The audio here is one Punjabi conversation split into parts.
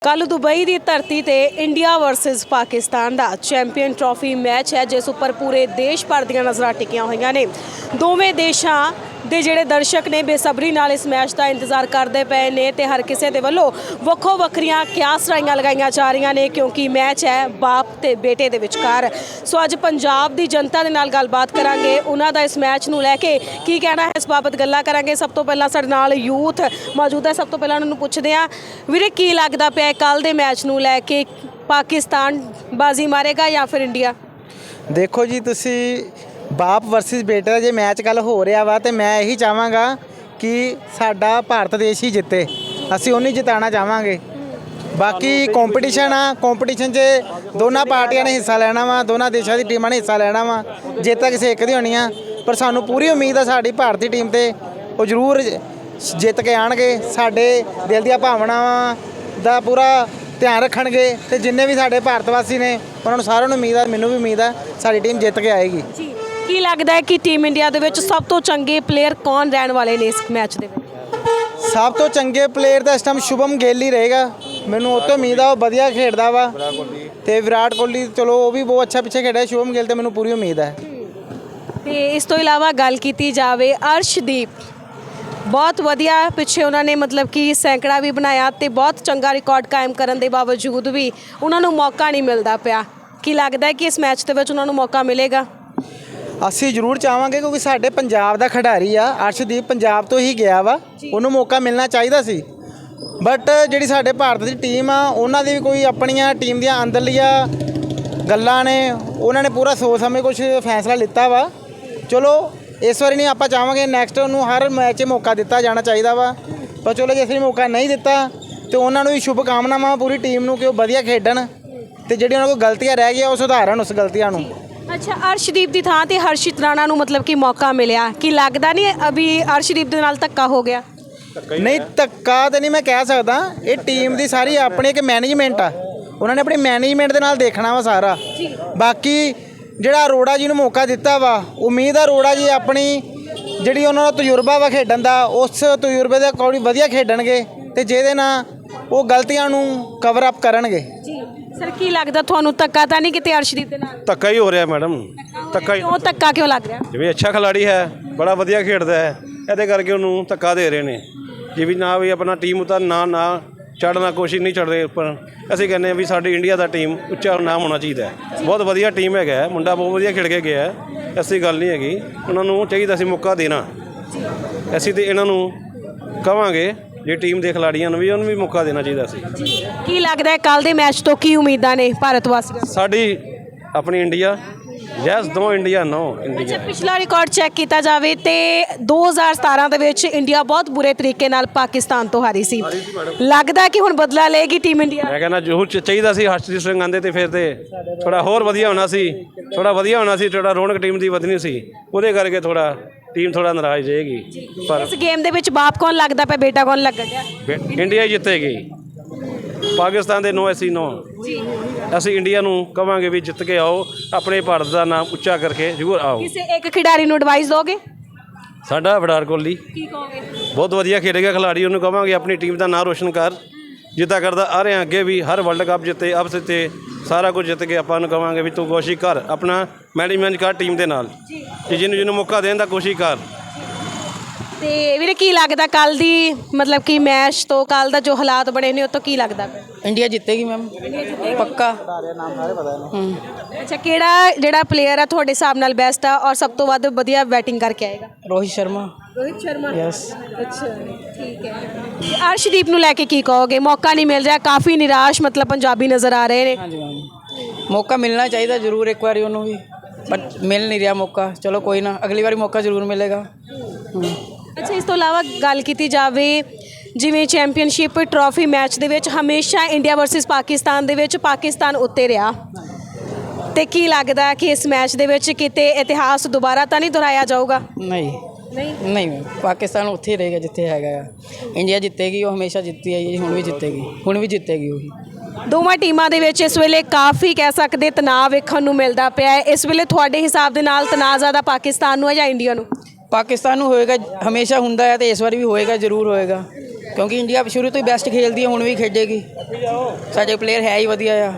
ਕੱਲ੍ਹ ਦੁਬਈ ਦੀ ਧਰਤੀ ਤੇ ਇੰਡੀਆ ਵਰਸਸ ਪਾਕਿਸਤਾਨ ਦਾ ਚੈਂਪੀਅਨ ਟਰਾਫੀ ਮੈਚ ਹੈ, ਜਿਸ ਉੱਪਰ ਪੂਰੇ ਦੇਸ਼ ਭਰ ਦੀਆਂ ਨਜ਼ਰਾਂ ਟਿਕੀਆਂ ਹੋਈਆਂ ਨੇ। ਦੋਵੇਂ ਦੇਸ਼ਾਂ ਦੇ ਜਿਹੜੇ ਦਰਸ਼ਕ ਨੇ ਬੇਸਬਰੀ ਨਾਲ ਇਸ ਮੈਚ ਦਾ ਇੰਤਜ਼ਾਰ ਕਰਦੇ ਪਏ ਨੇ ਤੇ ਹਰ ਕਿਸੇ ਦੇ ਵੱਲੋਂ ਵੱਖੋ ਵੱਖਰੀਆਂ ਕਿਆਸਰਾਈਆਂ ਲਗਾਈਆਂ ਜਾ ਰਹੀਆਂ ਨੇ, ਕਿਉਂਕਿ ਮੈਚ ਹੈ ਬਾਪ ਤੇ ਬੇਟੇ ਦੇ ਵਿਚਕਾਰ। ਸੋ ਅੱਜ ਪੰਜਾਬ ਦੀ ਜਨਤਾ ਦੇ ਨਾਲ ਗੱਲਬਾਤ ਕਰਾਂਗੇ, ਉਹਨਾਂ ਦਾ ਇਸ ਮੈਚ ਨੂੰ ਲੈ ਕੇ ਕੀ ਕਹਿਣਾ ਹੈ, ਇਸ ਬਾਬਤ ਗੱਲਾਂ ਕਰਾਂਗੇ। ਸਭ ਤੋਂ ਪਹਿਲਾਂ ਸਾਡੇ ਨਾਲ ਯੂਥ ਮੌਜੂਦ ਹੈ, ਸਭ ਤੋਂ ਪਹਿਲਾਂ ਉਹਨਾਂ ਨੂੰ ਪੁੱਛਦੇ ਹਾਂ, ਵੀਰੇ ਕੀ ਲੱਗਦਾ ਪਿਆ ਕੱਲ੍ਹ ਦੇ ਮੈਚ ਨੂੰ ਲੈ ਕੇ, ਪਾਕਿਸਤਾਨ ਬਾਜ਼ੀ ਮਾਰੇਗਾ ਜਾਂ ਫਿਰ ਇੰਡੀਆ? ਦੇਖੋ ਜੀ, ਤੁਸੀਂ ਬਾਪ ਵਰਸਸ ਬੇਟੇ ਦਾ ਜੇ ਮੈਚ ਕੱਲ ਹੋ ਰਿਹਾ ਵਾ ਤੇ ਮੈਂ ਇਹੀ ਚਾਹਾਂਗਾ ਕਿ ਸਾਡਾ ਭਾਰਤ ਦੇਸ਼ ਹੀ ਜਿੱਤੇ, ਅਸੀਂ ਉਹਨੂੰ ਜਿਤਾਉਣਾ ਚਾਹਾਂਗੇ। ਬਾਕੀ ਕੰਪੀਟੀਸ਼ਨ ਆ, ਕੰਪੀਟੀਸ਼ਨ 'ਚ ਦੋਨਾਂ ਪਾਰਟੀਆਂ ਨੇ ਹਿੱਸਾ ਲੈਣਾ ਵਾ, ਦੋਨਾਂ ਦੇਸ਼ਾਂ ਦੀ ਟੀਮਾਂ ਨੇ ਹਿੱਸਾ ਲੈਣਾ ਵਾ। ਜਿੱਤ ਤਾਂ ਕਿਸੇ ਇੱਕ ਦੀ ਹੋਣੀ ਆ, ਪਰ ਸਾਨੂੰ ਪੂਰੀ ਉਮੀਦ ਆ ਸਾਡੀ ਭਾਰਤੀ ਟੀਮ ਤੇ ਉਹ ਜ਼ਰੂਰ ਜਿੱਤ ਕੇ ਆਉਣਗੇ। ਸਾਡੇ ਦਿਲ ਦੀਆਂ ਭਾਵਨਾਵਾਂ ਦਾ ਪੂਰਾ ਧਿਆਨ ਰੱਖਣਗੇ ਤੇ ਜਿੰਨੇ ਵੀ ਸਾਡੇ ਭਾਰਤ ਵਾਸੀ ਨੇ ਉਹਨਾਂ ਨੂੰ ਸਾਰਿਆਂ ਨੂੰ ਉਮੀਦ ਆ, ਮੈਨੂੰ ਵੀ ਉਮੀਦ ਆ ਸਾਡੀ ਟੀਮ ਜਿੱਤ ਕੇ ਆਏਗੀ। ਜੀ, ਕੀ ਲੱਗਦਾ ਹੈ ਕਿ ਟੀਮ ਇੰਡੀਆ ਦੇ ਵਿੱਚ ਸਭ ਤੋਂ ਚੰਗੇ ਪਲੇਅਰ ਕੌਣ ਰਹਿਣ ਵਾਲੇ ਨੇ ਇਸ ਮੈਚ ਦੇ ਵਿੱਚ? ਸਭ ਤੋਂ ਚੰਗੇ ਪਲੇਅਰ ਦਾ ਇਸ ਟਾਈਮ ਸ਼ੁਭਮ ਗਿੱਲ ਹੀ ਰਹੇਗਾ, ਮੈਨੂੰ ਉਹ ਤੋਂ ਉਮੀਦ ਆ, ਉਹ ਵਧੀਆ ਖੇਡਦਾ ਵਾ। ਤੇ ਵਿਰਾਟ ਕੋਹਲੀ ਚਲੋ ਉਹ ਵੀ ਬਹੁਤ ਅੱਛਾ ਪਿੱਛੇ ਖੇਡਿਆ, ਸ਼ੁਭਮ ਗਿੱਲ ਤੇ ਮੈਨੂੰ ਪੂਰੀ ਉਮੀਦ ਹੈ। ਤੇ ਇਸ ਤੋਂ ਇਲਾਵਾ ਗੱਲ ਕੀਤੀ ਜਾਵੇ, ਅਰਸ਼ਦੀਪ ਬਹੁਤ ਵਧੀਆ ਪਿੱਛੇ ਉਹਨਾਂ ਨੇ ਮਤਲਬ ਕਿ ਸੈਂਕੜਾ ਵੀ ਬਣਾਇਆ ਤੇ ਬਹੁਤ ਚੰਗਾ ਰਿਕਾਰਡ ਕਾਇਮ ਕਰਨ ਦੇ ਬਾਵਜੂਦ ਵੀ ਉਹਨਾਂ ਨੂੰ ਮੌਕਾ ਨਹੀਂ ਮਿਲਦਾ ਪਿਆ। ਕੀ ਲੱਗਦਾ ਹੈ ਕਿ ਇਸ ਮੈਚ ਦੇ ਵਿੱਚ ਉਹਨਾਂ ਨੂੰ ਮੌਕਾ ਮਿਲੇਗਾ? ਅਸੀਂ ਜ਼ਰੂਰ ਚਾਹਾਂਗੇ, ਕਿਉਂਕਿ ਸਾਡੇ ਪੰਜਾਬ ਦਾ ਖਿਡਾਰੀ ਆ ਅਰਸ਼ਦੀਪ, ਪੰਜਾਬ ਤੋਂ ਹੀ ਗਿਆ ਵਾ, ਉਹਨੂੰ ਮੌਕਾ ਮਿਲਣਾ ਚਾਹੀਦਾ ਸੀ। ਬਟ ਜਿਹੜੀ ਸਾਡੇ ਭਾਰਤ ਦੀ ਟੀਮ ਆ, ਉਹਨਾਂ ਦੀ ਵੀ ਕੋਈ ਆਪਣੀਆਂ ਟੀਮ ਦੀਆਂ ਅੰਦਰਲੀਆਂ ਗੱਲਾਂ ਨੇ, ਉਹਨਾਂ ਨੇ ਪੂਰਾ ਸੋਚ ਸਮਝ ਕੁਝ ਫੈਸਲਾ ਲਿੱਤਾ ਵਾ। ਚਲੋ ਇਸ ਵਾਰੀ ਨਹੀਂ, ਆਪਾਂ ਚਾਹਾਂਗੇ ਨੈਕਸਟ ਉਹਨੂੰ ਹਰ ਮੈਚ 'ਚ ਮੌਕਾ ਦਿੱਤਾ ਜਾਣਾ ਚਾਹੀਦਾ ਵਾ। ਪਰ ਚਲੋ ਜੇ ਅਸੀਂ ਮੌਕਾ ਨਹੀਂ ਦਿੱਤਾ ਤਾਂ ਉਹਨਾਂ ਨੂੰ ਵੀ ਸ਼ੁਭ ਕਾਮਨਾਵਾਂ ਪੂਰੀ ਟੀਮ ਨੂੰ ਕਿ ਉਹ ਵਧੀਆ ਖੇਡਣ ਤੇ ਜਿਹੜੀ ਉਹਨਾਂ ਕੋਲ ਗਲਤੀਆਂ ਰਹਿ ਗਈਆਂ ਉਹ ਸੁਧਾਰਨ ਉਸ ਗਲਤੀਆਂ ਨੂੰ। ਅੱਛਾ, ਅਰਸ਼ਦੀਪ ਦੀ ਥਾਂ ਤੇ ਹਰਸ਼ਿਤ ਰਾਣਾ ਨੂੰ ਮਤਲਬ ਕਿ ਮੌਕਾ ਮਿਲਿਆ, ਕੀ ਲੱਗਦਾ ਨਹੀਂ ਅਭੀ ਅਰਸ਼ਦੀਪ ਦੇ ਨਾਲ ਧੱਕਾ ਹੋ ਗਿਆ? ਨਹੀਂ, ਧੱਕਾ ਤਾਂ ਨਹੀਂ ਮੈਂ ਕਹਿ ਸਕਦਾ, ਇਹ ਟੀਮ ਦੀ ਸਾਰੀ ਆਪਣੀ ਇੱਕ ਮੈਨੇਜਮੈਂਟ ਆ, ਉਹਨਾਂ ਨੇ ਆਪਣੀ ਮੈਨੇਜਮੈਂਟ ਦੇ ਨਾਲ ਦੇਖਣਾ ਵਾ ਸਾਰਾ। ਬਾਕੀ ਜਿਹੜਾ ਅਰੋੜਾ ਜੀ ਨੂੰ ਮੌਕਾ ਦਿੱਤਾ ਵਾ, ਉਮੀਦ ਆ ਅਰੋੜਾ ਜੀ ਆਪਣੀ ਜਿਹੜੀ ਉਹਨਾਂ ਦਾ ਤਜਰਬਾ ਵਾ ਖੇਡਣ ਦਾ, ਉਸ ਤਜਰਬੇ ਦੇ ਅਕੋਰਡਿੰਗ ਵਧੀਆ ਖੇਡਣਗੇ ਤੇ ਜਿਹਦੇ ਨਾਲ ਉਹ ਗਲਤੀਆਂ ਨੂੰ ਕਵਰ ਅਪ ਕਰਨਗੇ। ਜੀ ਸਰ, ਕੀ ਲੱਗਦਾ ਤੁਹਾਨੂੰ ਧੱਕਾ ਤਾਂ ਨਹੀਂ ਕਿਤੇ ਅਰਸ਼ਦੀਪ ਦੇ ਨਾਲ? ਧੱਕਾ ਹੀ ਹੋ ਰਿਹਾ ਮੈਡਮ, ਧੱਕਾ ਹੀ। ਕਿਉਂ ਧੱਕਾ ਕਿਉਂ ਲੱਗ ਰਿਹਾ? ਜਿਵੇਂ ਅੱਛਾ ਖਿਲਾੜੀ ਹੈ, ਬੜਾ ਵਧੀਆ ਖੇਡਦਾ ਹੈ, ਇਹਦੇ ਕਰਕੇ ਉਹਨੂੰ ਧੱਕਾ ਦੇ ਰਹੇ ਨੇ। ਜਿਵੇਂ ਨਾ ਵੀ ਆਪਣਾ ਟੀਮ ਉਤਾਰ ਨਾ ਚੜ੍ਹਨਾ, ਕੋਸ਼ਿਸ਼ ਨਹੀਂ ਚੜ੍ਹ ਰਹੇ ਉੱਪਰ। ਅਸੀਂ ਕਹਿੰਦੇ ਹਾਂ ਵੀ ਸਾਡੀ ਇੰਡੀਆ ਦਾ ਟੀਮ ਉੱਚਾ ਨਾਮ ਹੋਣਾ ਚਾਹੀਦਾ ਹੈ। ਬਹੁਤ ਵਧੀਆ ਟੀਮ ਹੈਗਾ, ਮੁੰਡਾ ਬਹੁਤ ਵਧੀਆ ਖੇਡ ਕੇ ਗਿਆ, ਐਸੀ ਗੱਲ ਨਹੀਂ ਹੈਗੀ। ਉਹਨਾਂ ਨੂੰ ਚਾਹੀਦਾ ਸੀ ਮੌਕਾ ਦੇਣਾ। ਅਸੀਂ ਤਾਂ ਇਹਨਾਂ ਨੂੰ ਕਹਾਂਗੇ ਜੇ ਟੀਮ ਦੇ ਖਿਲਾੜੀਆਂ ਨੂੰ ਵੀ ਉਹਨੂੰ ਵੀ ਮੌਕਾ ਦੇਣਾ ਚਾਹੀਦਾ ਸੀ। ਕੀ ਲੱਗਦਾ ਹੈ ਕੱਲ੍ਹ ਦੇ ਮੈਚ ਤੋਂ ਕੀ ਉਮੀਦਾਂ ਨੇ ਭਾਰਤ ਵਾਸੀਆਂ? ਸਾਡੀ ਆਪਣੀ India yes, no India, no India. ਪਿਛਲਾ ਰਿਕਾਰਡ ਚੈੱਕ ਕੀਤਾ ਜਾਵੇ ਤੇ 2017 ਦੇ ਵਿੱਚ ਇੰਡੀਆ ਬਹੁਤ ਬੁਰੇ ਤਰੀਕੇ ਨਾਲ ਪਾਕਿਸਤਾਨ ਤੋਂ ਹਾਰੀ ਸੀ। ਲੱਗਦਾ ਕਿ ਹੁਣ ਬਦਲਾ ਲਏਗੀ ਟੀਮ ਇੰਡੀਆ? ਮੈਂ ਕਹਿੰਦਾ ਜ਼ਰੂਰ ਚਾਹੀਦਾ ਸੀ, ਹਰਸ਼ਦੀਪ ਸਿੰਘ ਆਉਂਦੇ ਤੇ ਫਿਰ ਤੇ ਥੋੜਾ ਹੋਰ ਵਧੀਆ ਹੋਣਾ ਸੀ, ਥੋੜਾ ਰੌਣਕ ਟੀਮ ਦੀ ਵਧਣੀ ਸੀ। ਉਹਦੇ ਕਰਕੇ ਥੋੜਾ ਟੀਮ ਥੋੜਾ ਨਾਰਾਜ਼ ਰਹੇਗੀ। ਪਰ ਇਸ ਗੇਮ ਦੇ ਵਿੱਚ ਬਾਪ ਕੌਣ ਲੱਗਦਾ ਪਿਆ, ਬੇਟਾ ਕੌਣ ਲੱਗਦਾ ਪਿਆ? ਇੰਡੀਆ ਹੀ ਜਿੱਤੇਗੀ, ਪਾਕਿਸਤਾਨ ਦੇ ਨੋ ਅਸੀਂ ਨੋ। ਅਸੀਂ ਇੰਡੀਆ ਨੂੰ ਕਵਾਂਗੇ ਵੀ ਜਿੱਤ ਕੇ ਆਓ, ਆਪਣੇ ਭਾਰਤ ਦਾ ਨਾਮ ਉੱਚਾ ਕਰਕੇ ਜ਼ਰੂਰ ਆਓ। ਕਿਸੇ ਇੱਕ ਖਿਡਾਰੀ ਨੂੰ ਐਡਵਾਈਸ ਦੋਗੇ? ਸਾਡਾ ਵਿਰਾਟ ਕੋਹਲੀ ਕੀ ਕਹੋਗੇ? ਬਹੁਤ ਵਧੀਆ ਖੇਡੇਗਾ ਖਿਲਾੜੀ, ਉਹਨੂੰ ਕਵਾਂਗੇ ਆਪਣੀ ਟੀਮ ਦਾ ਨਾਮ ਰੋਸ਼ਨ ਕਰ, ਜਿੱਦਾਂ ਕਰਦਾ ਆ ਰਹੇ ਅੱਗੇ ਵੀ, ਹਰ ਵਰਲਡ ਕੱਪ ਜਿੱਤੇ, ਅਬ ਜਿੱਤੇ, ਸਾਰਾ ਕੁਝ ਜਿੱਤ ਕੇ ਆਪਾਂ ਨੂੰ ਕਵਾਂਗੇ ਵੀ ਤੂੰ ਕੋਸ਼ਿਸ਼ ਕਰ, ਆਪਣਾ ਮੈਨੇਜਮੈਂਟ ਕਰ ਟੀਮ ਦੇ ਨਾਲ, ਕਿ ਜਿਹਨੂੰ ਮੌਕਾ ਦੇਣ ਦਾ ਕੋਸ਼ਿਸ਼ ਕਰ। ਤੇ ਵੀਰੇ ਕੀ ਲੱਗਦਾ ਕੱਲ ਦੀ ਮਤਲਬ ਕਿ ਮੈਚ ਤੋਂ ਕੱਲ ਦਾ ਜੋ ਹਾਲਾਤ ਬਣੇ ਨੇ ਉਹ ਤੋਂ ਕੀ ਲੱਗਦਾ? ਇੰਡੀਆ ਜਿੱਤੇਗੀ ਮੈਮ, ਪੱਕਾ। ਅੱਛਾ, ਕਿਹੜਾ ਜਿਹੜਾ ਪਲੇਅਰ ਆ ਤੁਹਾਡੇ ਹਿਸਾਬ ਨਾਲ ਬੈਸਟ ਆ ਔਰ ਸਭ ਤੋਂ ਵੱਧ ਵਧੀਆ ਬੈਟਿੰਗ ਕਰਕੇ ਆਏਗਾ? ਰੋਹਿਤ ਸ਼ਰਮਾ। ਰੋਹਿਤ ਸ਼ਰਮਾ, ਯੈਸ। ਅੱਛਾ, ਠੀਕ ਹੈ। ਅਰਸ਼ਦੀਪ ਨੂੰ ਲੈ ਕੇ ਕੀ ਕਹੋਗੇ? ਮੌਕਾ ਨਹੀਂ ਮਿਲ ਰਿਹਾ, ਕਾਫੀ ਨਿਰਾਸ਼ ਮਤਲਬ ਪੰਜਾਬੀ ਨਜ਼ਰ ਆ ਰਹੇ ਨੇ। ਹਾਂਜੀ ਮੈਮ, ਮੌਕਾ ਮਿਲਣਾ ਚਾਹੀਦਾ ਜ਼ਰੂਰ ਇੱਕ ਵਾਰੀ ਉਹਨੂੰ ਵੀ, ਬਟ ਮਿਲ ਨਹੀਂ ਰਿਹਾ ਮੌਕਾ। ਚਲੋ ਕੋਈ ਨਾ, ਅਗਲੀ ਵਾਰੀ ਮੌਕਾ ਜ਼ਰੂਰ ਮਿਲੇਗਾ। ਅੱਛਾ, ਇਸ ਤੋਂ ਇਲਾਵਾ ਗੱਲ ਕੀਤੀ ਜਾਵੇ ਜਿਵੇਂ ਚੈਂਪੀਅਨਸ਼ਿਪ ਟਰਾਫੀ ਮੈਚ ਦੇ ਵਿੱਚ ਹਮੇਸ਼ਾ ਇੰਡੀਆ ਵਰਸਸ ਪਾਕਿਸਤਾਨ ਦੇ ਵਿੱਚ ਪਾਕਿਸਤਾਨ ਉੱਤੇ ਰਿਹਾ, ਤੇ ਕੀ ਲੱਗਦਾ ਕਿ ਇਸ ਮੈਚ ਦੇ ਵਿੱਚ ਕਿਤੇ ਇਤਿਹਾਸ ਦੁਬਾਰਾ ਤਾਂ ਨਹੀਂ ਦੁਹਰਾਇਆ ਜਾਊਗਾ? ਨਹੀਂ ਮੈਮ, ਪਾਕਿਸਤਾਨ ਉੱਥੇ ਹੀ ਰਹੇਗਾ ਜਿੱਥੇ ਹੈਗਾ ਆ। ਇੰਡੀਆ ਜਿੱਤੇਗੀ, ਉਹ ਹਮੇਸ਼ਾ ਜਿੱਤੀ ਆਈ ਹੈ, ਹੁਣ ਵੀ ਜਿੱਤੇਗੀ ਉਹੀ। ਦੋਵਾਂ ਟੀਮਾਂ ਦੇ ਵਿੱਚ ਇਸ ਵੇਲੇ ਕਾਫੀ ਕਹਿ ਸਕਦੇ ਤਣਾਅ ਵੇਖਣ ਨੂੰ ਮਿਲਦਾ ਪਿਆ ਹੈ। ਇਸ ਵੇਲੇ ਤੁਹਾਡੇ ਹਿਸਾਬ ਦੇ ਨਾਲ ਤਣਾਅ ਜ਼ਿਆਦਾ ਪਾਕਿਸਤਾਨ ਨੂੰ ਹੈ ਜਾਂ ਇੰਡੀਆ ਨੂੰ? ਪਾਕਿਸਤਾਨ ਨੂੰ ਹੋਏਗਾ, ਹਮੇਸ਼ਾ ਹੁੰਦਾ ਹੈ ਤੇ ਇਸ ਵਾਰ ਵੀ ਹੋਏਗਾ, ਜ਼ਰੂਰ ਹੋਏਗਾ। ਕਿਉਂਕਿ ਇੰਡੀਆ ਸ਼ੁਰੂ ਤੋਂ ਹੀ ਬੈਸਟ ਖੇਲਦੀ ਹੈ, ਹੁਣ ਵੀ ਖੇਡੇਗੀ। ਸਾਡੇ ਪਲੇਅਰ ਹੈ ਹੀ ਵਧੀਆ ਆ।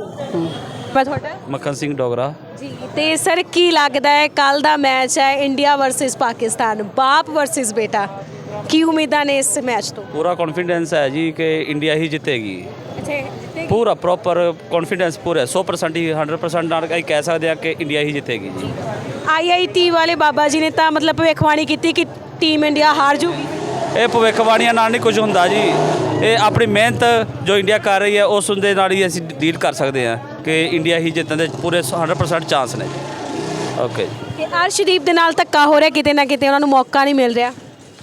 ਮੈਂ ਤੁਹਾਡਾ ਮੱਖਣ ਸਿੰਘ ਡੋਗਰਾ। ਜੀ ਤੇ ਸਰ ਕੀ ਲੱਗਦਾ ਹੈ ਕੱਲ ਦਾ ਮੈਚ ਹੈ ਇੰਡੀਆ ਵਰਸਸ ਪਾਕਿਸਤਾਨ, ਬਾਪ ਵਰਸਸ ਬੇਟਾ, ਕੀ ਉਮੀਦਾਂ ਨੇ ਇਸ ਮੈਚ ਤੋਂ? ਪੂਰਾ ਕੌਨਫੀਡੈਂਸ ਹੈ ਜੀ ਕਿ ਇੰਡੀਆ ਹੀ ਜਿੱਤੇਗੀ। ਅੱਛਾ ਪੂਰਾ ਪ੍ਰੋਪਰ ਕੌਨਫੀਡੈਂਸ ਪੂਰਾ 100% ਹੀ 100% ਨਾਲ ਅਸੀਂ ਕਹਿ ਸਕਦੇ ਹਾਂ ਕਿ ਇੰਡੀਆ ਹੀ ਜਿੱਤੇਗੀ ਜੀ। IIT ਵਾਲੇ ਬਾਬਾ ਜੀ ਨੇ ਤਾਂ ਮਤਲਬ ਭਵਿੱਖਬਾਣੀ ਕੀਤੀ ਕਿ ਟੀਮ ਇੰਡੀਆ ਹਾਰ ਜੂਗੀ। ਇਹ ਭਵਿੱਖਬਾਣੀਆਂ ਨਾਲ ਨਹੀਂ ਕੁਝ ਹੁੰਦਾ ਜੀ, ਇਹ ਆਪਣੀ ਮਿਹਨਤ ਜੋ ਇੰਡੀਆ ਕਰ ਰਹੀ ਹੈ ਉਸ ਦੇ ਨਾਲ ਹੀ ਅਸੀਂ ਡੀਲ ਕਰ ਸਕਦੇ ਹਾਂ ਕਿ ਇੰਡੀਆ ਹੀ ਜਿੱਤਣ ਦੇ ਪੂਰੇ 100% ਚਾਂਸ ਨੇ। ਓਕੇ। ਤੇ ਅਰਸ਼ਦੀਪ ਦੇ ਨਾਲ ਧੱਕਾ ਹੋ ਰਿਹਾ, ਕਿਤੇ ਨਾ ਕਿਤੇ ਉਹਨਾਂ ਨੂੰ ਮੌਕਾ ਨਹੀਂ ਮਿਲ ਰਿਹਾ।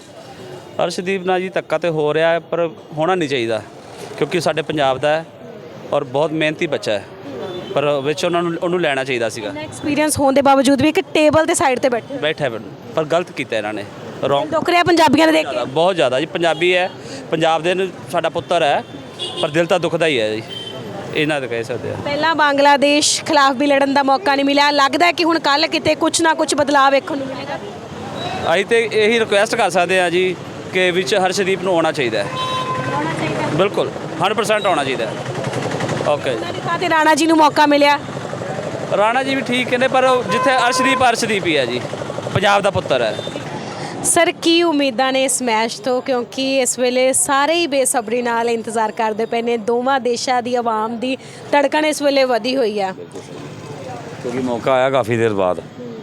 ਅਰਸ਼ਦੀਪ ਨਾਲ ਜੀ ਧੱਕਾ ਤੇ ਹੋ ਰਿਹਾ ਹੈ, ਪਰ ਹੋਣਾ ਨਹੀਂ ਚਾਹੀਦਾ ਕਿਉਂਕਿ ਸਾਡੇ ਪੰਜਾਬ ਦਾ ਹੈ ਔਰ ਬਹੁਤ ਮਿਹਨਤੀ ਬੱਚਾ ਹੈ, ਪਰ ਵਿੱਚ ਉਹਨੂੰ ਲੈਣਾ ਚਾਹੀਦਾ ਸੀਗਾ। ਐਕਸਪੀਰੀਅੰਸ ਹੋਣ ਦੇ ਬਾਵਜੂਦ ਵੀ ਇੱਕ ਟੇਬਲ ਦੇ ਸਾਈਡ ਤੇ ਬੈਠਾ ਪਰ ਗਲਤ ਕੀਤਾ ਇਹਨਾਂ ਨੇ, ਰੋਂਗ। ਦੁੱਖ ਰਿਹਾ ਪੰਜਾਬੀਆਂ ਨੇ ਦੇਖ ਕੇ। ਬਹੁਤ ਜ਼ਿਆਦਾ ਜੀ, ਪੰਜਾਬੀ ਹੈ, ਪੰਜਾਬ ਦੇ ਸਾਡਾ ਪੁੱਤਰ ਹੈ, ਪਰ ਦਿਲ ਤਾਂ ਦੁਖਦਾ ਹੀ ਹੈ ਜੀ, ਇਹਨਾਂ ਦਾ ਕਹਿ ਸਕਦੇ ਆ। ਪਹਿਲਾਂ ਬੰਗਲਾਦੇਸ਼ ਖਿਲਾਫ ਵੀ ਲੜਨ ਦਾ ਮੌਕਾ ਨਹੀਂ ਮਿਲਿਆ, ਲੱਗਦਾ ਹੈ ਕਿ ਹੁਣ ਕੱਲ ਕਿਤੇ ਕੁਝ ਨਾ ਕੁਝ ਬਦਲਾਅ ਵੇਖਣ ਨੂੰ ਮਿਲੇਗਾ। ਅਸੀਂ ਤੇ ਇਹੀ ਰਿਕੁਐਸਟ ਕਰ ਸਕਦੇ ਹਾਂ ਜੀ ਕਿ ਵਿੱਚ ਹਰਸ਼ਦੀਪ ਨੂੰ ਆਉਣਾ ਚਾਹੀਦਾ ਹੈ, ਬਿਲਕੁਲ 100% ਆਉਣਾ ਚਾਹੀਦਾ ਹੈ। ਓਕੇ। ਉਹਨਾਂ ਦੀ ਥਾਂ ਤੇ ਰਾਣਾ ਜੀ ਨੂੰ ਮੌਕਾ ਮਿਲਿਆ। ਰਾਣਾ ਜੀ ਵੀ ਠੀਕ ਨੇ, ਪਰ ਜਿੱਥੇ ਅਰਸ਼ਦੀਪ ਹੀ ਹੈ ਜੀ, ਪੰਜਾਬ ਦਾ ਪੁੱਤਰ ਹੈ। ਸਰ ਕੀ ਉਮੀਦਾਂ ਨੇ ਇਸ ਮੈਚ ਤੋਂ, ਕਿਉਂਕਿ ਇਸ ਵੇਲੇ ਸਾਰੇ ਹੀ ਬੇਸਬਰੀ ਨਾਲ ਇੰਤਜ਼ਾਰ ਕਰਦੇ ਪਏ ਨੇ, ਦੋਵਾਂ ਦੇਸ਼ਾਂ ਦੀ ਆਵਾਮ ਦੀ ਧੜਕਣ ਇਸ ਵੇਲੇ ਵਧੀ ਹੋਈ ਆ ਕਿਉਂਕਿ ਮੌਕਾ ਆਇਆ ਕਾਫੀ ਦੇਰ ਬਾਅਦ,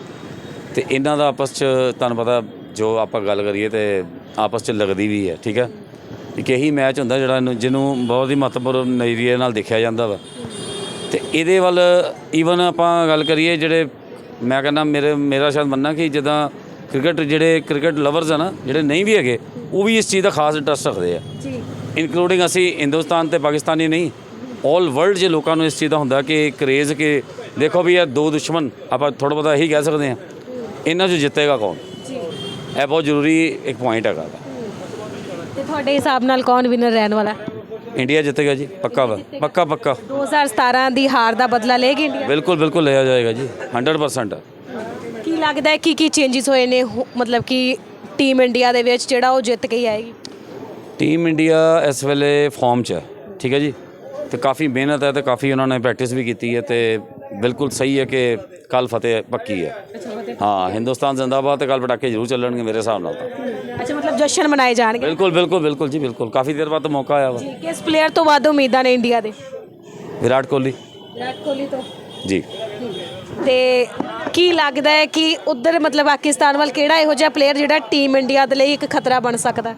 ਤੇ ਇਹਨਾਂ ਦਾ ਆਪਸ 'ਚ ਤੁਹਾਨੂੰ ਪਤਾ ਜੋ ਆਪਾਂ ਗੱਲ ਕਰੀਏ ਤੇ ਆਪਸ 'ਚ ਲੱਗਦੀ ਵੀ ਹੈ। ਠੀਕ ਹੈ, ਇੱਕ ਇਹੀ ਮੈਚ ਹੁੰਦਾ ਜਿਹੜਾ ਜਿਹਨੂੰ ਬਹੁਤ ਹੀ ਮਹੱਤਵਪੂਰਨ ਨਜ਼ਰੀਏ ਨਾਲ ਦੇਖਿਆ ਜਾਂਦਾ ਵਾ, ਤੇ ਇਹਦੇ ਵੱਲ ਈਵਨ ਆਪਾਂ ਗੱਲ ਕਰੀਏ ਜਿਹੜੇ ਮੈਂ ਕਹਿੰਦਾ ਮੇਰਾ ਸ਼ਾਇਦ ਮੰਨਣਾ ਕਿ ਜਿੱਦਾਂ ਜਿਹੜੇ ਕ੍ਰਿਕਟ ਲਵਰਸ ਆ ਨਾ, ਜਿਹੜੇ ਨਹੀਂ ਵੀ ਹੈਗੇ, ਉਹ ਵੀ ਇਸ ਚੀਜ਼ ਦਾ ਖਾਸ ਇੰਟਰਸਟ ਰੱਖਦੇ ਆ ਜੀ, ਇਨਕਲੂਡਿੰਗ ਅਸੀਂ ਹਿੰਦੁਸਤਾਨ ਤੇ ਪਾਕਿਸਤਾਨੀ ਨਹੀਂ, ਆਲ ਵਰਲਡ 'ਚ ਲੋਕਾਂ ਨੂੰ ਇਸ ਚੀਜ਼ ਦਾ ਹੁੰਦਾ ਕਿ ਕਰੇਜ਼ ਕਿ ਦੇਖੋ ਵੀ ਇਹ ਦੋ ਦੁਸ਼ਮਣ, ਆਪਾਂ ਥੋੜ੍ਹਾ ਬਹੁਤਾ ਇਹੀ ਕਹਿ ਸਕਦੇ ਹਾਂ, ਇਹਨਾਂ 'ਚ ਜਿੱਤੇਗਾ ਕੌਣ ਜੀ, ਇਹ ਬਹੁਤ ਜ਼ਰੂਰੀ ਇੱਕ ਪੁਆਇੰਟ ਹੈਗਾ। ਤੇ ਤੁਹਾਡੇ ਹਿਸਾਬ ਨਾਲ ਕੌਣ ਵਿਨਰ ਰਹਿਣ ਵਾਲਾ? ਇੰਡੀਆ ਜਿੱਤੇਗਾ ਜੀ, ਪੱਕਾ ਵਾ, ਪੱਕਾ 2017 ਦੀ ਹਾਰ ਦਾ ਬਦਲਾ ਲਏਗੀ ਇੰਡੀਆ? ਬਿਲਕੁਲ ਲਿਆ ਜਾਏਗਾ ਜੀ, 100%। ਕੀ ਲੱਗਦਾ ਹੈ ਕੀ ਚੇਂਜਸ ਹੋਏ ਨੇ, ਮਤਲਬ ਕਿ ਟੀਮ ਇੰਡੀਆ ਦੇ ਵਿੱਚ ਜਿਹੜਾ ਉਹ ਜਿੱਤ ਕੇ ਹੀ ਆਏਗੀ? ਟੀਮ ਇੰਡੀਆ ਇਸ ਵੇਲੇ ਫਾਰਮ 'ਚ ਹੈ, ਠੀਕ ਹੈ ਜੀ, ਤੇ ਕਾਫੀ ਮਿਹਨਤ ਹੈ ਤੇ ਕਾਫੀ ਉਹਨਾਂ ਨੇ ਪ੍ਰੈਕਟਿਸ ਵੀ ਕੀਤੀ ਹੈ, ਤੇ ਬਿਲਕੁਲ ਸਹੀ ਹੈ ਕਿ ਕੱਲ ਫਤਿਹ ਪੱਕੀ ਹੈ। ਹਾਂ, ਹਿੰਦੁਸਤਾਨ ਜ਼ਿੰਦਾਬਾਦ, ਤੇ ਕੱਲ ਪਟਾਕੇ ਜ਼ਰੂਰ ਚੱਲਣਗੇ ਮੇਰੇ ਹਿਸਾਬ ਨਾਲ ਤਾਂ। ਅੱਛਾ, ਮਤਲਬ ਜਸ਼ਨ ਮਨਾਏ ਜਾਣਗੇ। ਬਿਲਕੁਲ ਜੀ, ਬਿਲਕੁਲ ਕਾਫੀ ਦੇਰ ਬਾਅਦ ਮੌਕਾ ਆਇਆ ਵਾ। ਕਿਸ ਪਲੇਅਰ ਤੋਂ ਵੱਧ ਉਮੀਦਾਂ ਨੇ ਇੰਡੀਆ ਦੇ? ਵਿਰਾਟ ਕੋਹਲੀ ਤੋਂ ਜੀ। ਤੇ ਕੀ ਲੱਗਦਾ ਹੈ ਕਿ ਉਧਰ ਮਤਲਬ ਪਾਕਿਸਤਾਨ ਵੱਲ ਕਿਹੜਾ ਇਹੋ ਜਿਹਾ ਪਲੇਅਰ ਜਿਹੜਾ ਟੀਮ ਇੰਡੀਆ ਦੇ ਲਈ ਇੱਕ ਖਤਰਾ ਬਣ ਸਕਦਾ?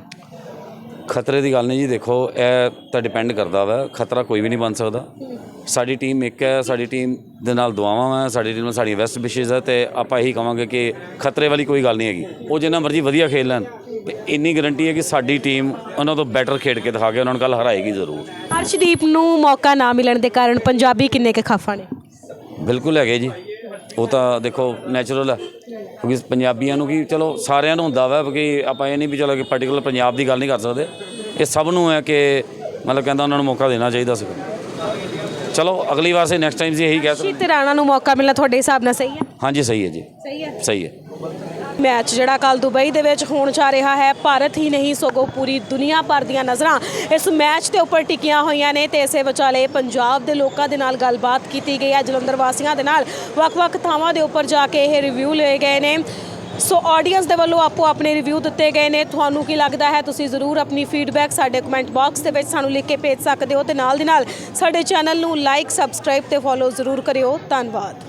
ਖਤਰੇ ਦੀ ਗੱਲ ਨਹੀਂ ਜੀ, ਦੇਖੋ ਇਹ ਤਾਂ ਡਿਪੈਂਡ ਕਰਦਾ ਵਾ, ਖਤਰਾ ਕੋਈ ਵੀ ਨਹੀਂ ਬਣ ਸਕਦਾ। ਸਾਡੀ ਟੀਮ ਇੱਕ ਹੈ, ਸਾਡੀ ਟੀਮ ਦੇ ਨਾਲ ਦੁਆਵਾਂ ਵਾ, ਸਾਡੀ ਟੀਮ ਨਾਲ ਸਾਡੀ ਬੈਸਟ ਵਿਸ਼ੇਜ਼ ਹੈ, ਤੇ ਆਪਾਂ ਇਹੀ ਕਹਾਂਗੇ ਕਿ ਖਤਰੇ ਵਾਲੀ ਕੋਈ ਗੱਲ ਨਹੀਂ ਹੈਗੀ। ਉਹ ਜਿੰਨਾ ਮਰਜ਼ੀ ਵਧੀਆ ਖੇਡ ਲੈਣ, ਤੇ ਇੰਨੀ ਗਰੰਟੀ ਹੈ ਕਿ ਸਾਡੀ ਟੀਮ ਉਹਨਾਂ ਤੋਂ ਬੈਟਰ ਖੇਡ ਕੇ ਦਿਖਾ ਕੇ ਉਹਨਾਂ ਨੂੰ ਕੱਲ ਹਰਾਏਗੀ ਜ਼ਰੂਰ। ਅਰਸ਼ਦੀਪ ਨੂੰ ਮੌਕਾ ਨਾ ਮਿਲਣ ਦੇ ਕਾਰਨ ਪੰਜਾਬੀ ਕਿੰਨੇ ਕੁ ਖਫਾ ਨੇ? ਬਿਲਕੁਲ ਹੈਗੇ ਜੀ, ਉਹ ਤਾਂ ਦੇਖੋ ਨੈਚੁਰਲ ਹੈ, ਕਿਉਂਕਿ ਪੰਜਾਬੀਆਂ ਨੂੰ ਕੀ, ਚਲੋ ਸਾਰਿਆਂ ਨੂੰ ਹੁੰਦਾ ਵਾ ਕਿ ਆਪਾਂ ਇਹ ਨਹੀਂ ਵੀ ਚਲੋ ਕਿ ਪਾਰਟੀਕੂਲਰ ਪੰਜਾਬ ਦੀ ਗੱਲ ਨਹੀਂ ਕਰ ਸਕਦੇ, ਇਹ ਸਭ ਨੂੰ ਹੈ ਕਿ ਮਤਲਬ ਕਹਿੰਦਾ ਉਹਨਾਂ ਨੂੰ ਮੌਕਾ ਦੇਣਾ ਚਾਹੀਦਾ ਸੀ। ਚਲੋ ਅਗਲੀ ਵਾਰ ਸੇ ਨੈਕਸਟ ਟਾਈਮ ਜੀ ਇਹੀ ਕਹਿ ਸਕਦੇ। ਤੇ ਰਾਣਾ ਨੂੰ ਮੌਕਾ ਮਿਲਣਾ ਤੁਹਾਡੇ ਹਿਸਾਬ ਨਾਲ ਸਹੀ ਹੈ? ਹਾਂਜੀ ਸਹੀ ਹੈ ਜੀ, ਸਹੀ ਹੈ। ਮੈਚ ਜਿਹੜਾ ਕੱਲ ਦੁਬਈ ਦੇ ਵਿੱਚ ਹੋਣ ਜਾ ਰਿਹਾ ਹੈ, ਭਾਰਤ ਹੀ ਨਹੀਂ ਸਗੋਂ ਪੂਰੀ ਦੁਨੀਆ ਭਰ ਦੀਆਂ ਨਜ਼ਰਾਂ ਇਸ ਮੈਚ ਦੇ ਉੱਪਰ ਟਿਕੀਆਂ ਹੋਈਆਂ ਨੇ, ਤੇ ਇਸੇ ਵਿਚਾਲੇ ਪੰਜਾਬ ਦੇ ਲੋਕਾਂ ਦੇ ਨਾਲ ਗੱਲਬਾਤ ਕੀਤੀ ਗਈ ਹੈ, ਜਲੰਧਰ ਵਾਸੀਆਂ ਦੇ ਨਾਲ ਵੱਖ-ਵੱਖ ਥਾਵਾਂ ਦੇ ਉੱਪਰ ਜਾ ਕੇ ਇਹ ਰਿਵਿਊ ਲਏ ਗਏ ਨੇ। ਸੋ ਆਡੀਅנס ਦੇ ਵੱਲੋਂ ਆਪੋ ਆਪਣੇ ਰਿਵਿਊ ਦਿੱਤੇ ਗਏ ਨੇ। ਤੁਹਾਨੂੰ ਕੀ ਲੱਗਦਾ ਹੈ? ਤੁਸੀਂ ਜ਼ਰੂਰ ਆਪਣੀ ਫੀਡਬੈਕ ਸਾਡੇ ਕਮੈਂਟ ਬਾਕਸ ਦੇ ਵਿੱਚ ਸਾਨੂੰ ਲਿਖ ਕੇ ਭੇਜ ਸਕਦੇ ਹੋ, ਤੇ ਨਾਲ ਦੀ ਨਾਲ ਸਾਡੇ ਚੈਨਲ ਨੂੰ ਲਾਈਕ, ਸਬਸਕ੍ਰਾਈਬ ਤੇ ਫੋਲੋ ਜ਼ਰੂਰ ਕਰਿਓ। ਧੰਨਵਾਦ।